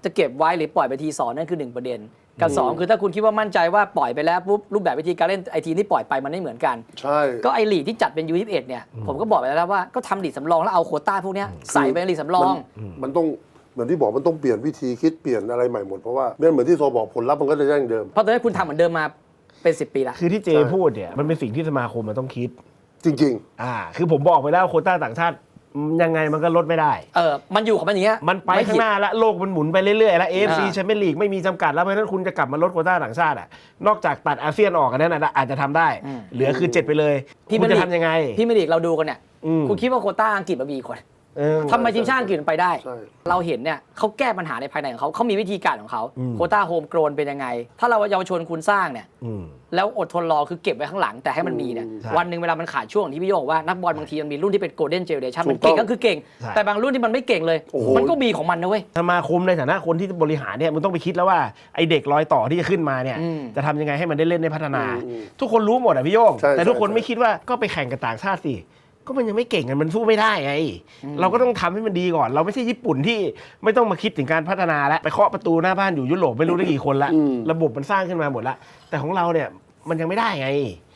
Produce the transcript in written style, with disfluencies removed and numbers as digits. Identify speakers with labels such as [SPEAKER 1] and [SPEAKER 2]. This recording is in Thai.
[SPEAKER 1] จะเก็บไว้หรือปล่อยไปที2นั่นคือ1ประเด็นกับ2คือถ้าคุณคิดว่ามั่นใจว่าปล่อยไปแล้วปุ๊บรูปแบบวิธีการเล่นไอทีที่ปล่อยไปมันไม่เหมือนกัน
[SPEAKER 2] ใช่
[SPEAKER 1] ก็ไอลีกที่จัดเป็น U21 เนี่ยผมก็บอกไปแล้วว่าก็ทำลีกสำรองแล้วเอาโควต้าพวกนี้ใส่ไปในลีกสำรอง
[SPEAKER 2] มันต้องเหมือนที่บอกมันต้องเปลี่ยนวิธีคิดเปลี่ยนอะไรใหม่หมดเพราะว่าเหมือนที่โซบอกผลลัพธ์มันก็จะยังเดิม
[SPEAKER 1] เพราะตอนนี้คุณทำเหมือนเดิมมาเป็น10 ปีละ
[SPEAKER 3] คือที่เจพูดเนี่ยมันเป็นสิ่งที่สมาคมมันต้องคิด
[SPEAKER 2] จริง
[SPEAKER 3] คือผมบอกไปแล้วโควต้าต่างชาติยังไงมันก็ลดไม่ได้
[SPEAKER 1] มันอยู่ของมันอย่างเงี้ย
[SPEAKER 3] มันไปข้างหน้าแล้วโลกมันหมุนไปเรื่อยๆแล้ว AFC แชมเปี้ยนลีกไม่มีจำกัดแล้วเพราะฉะนั้นคุณจะกลับมาลดโควต้าต่างชาตินอกจากตัดอาเซียนออกกันนั้นอาจจะทำได้เหลือคือ7ไปเลยคุณจะทำยังไง
[SPEAKER 1] พี่ไม่ลีกเราดูกันเนี่ยคุณคิดว่าโควต้าอังกฤษมันมีคนทำไมทีมชาติอังกฤษมันไปได้เราเห็นเนี่ยเขาแก้ปัญหาในภายในของเขามีวิธีการของเขาโควต้าโฮมโกรนเป็นยังไงถ้าเราเยาวชนคุณสร้างเนี่ยแล้วอดทนรอคือเก็บไว้ข้างหลังแต่ให้มันมีเนี่ยวันหนึ่งเวลามันขาดช่วงที่พี่โยงว่านักบอลบางทีมันมีรุ่นที่เป็นโกลเด้นเจเนอเรชั่นมันเก่งก็คือเก่งแต่บางรุ่นที่มันไม่เก่งเลยมันก็มีของมันนะเว้ย
[SPEAKER 3] สมาคมในฐานะคนที่บริหารเนี่ยมึงต้องไปคิดแล้วว่าไอเด็กรอยต่อที่จะขึ้นมาเนี่ยจะทำยังไงให้มันได้เล่นได้พัฒนาทุกคนรู้หมดพี่โยงแต่ทุกคนไม่คิดว่าก็ไปแข่งกับต่างชาติสิก็มันยังไม่เก่งกันมันสู้ไม่ได้ไงเราก็ต้องทำให้มันดีก่อนเราไม่ใช่ญี่ปุ่นที่ไม่ต้องมาคิดถึงการพัฒนาแล้วไปเคาะประตูหน้าบ้านอยู่ยุโรปไม่รู้ได้กี่คนละระบบมันสร้างขึ้นมาหมดละแต่ของเราเนี่ยมันยังไม่ได้ไง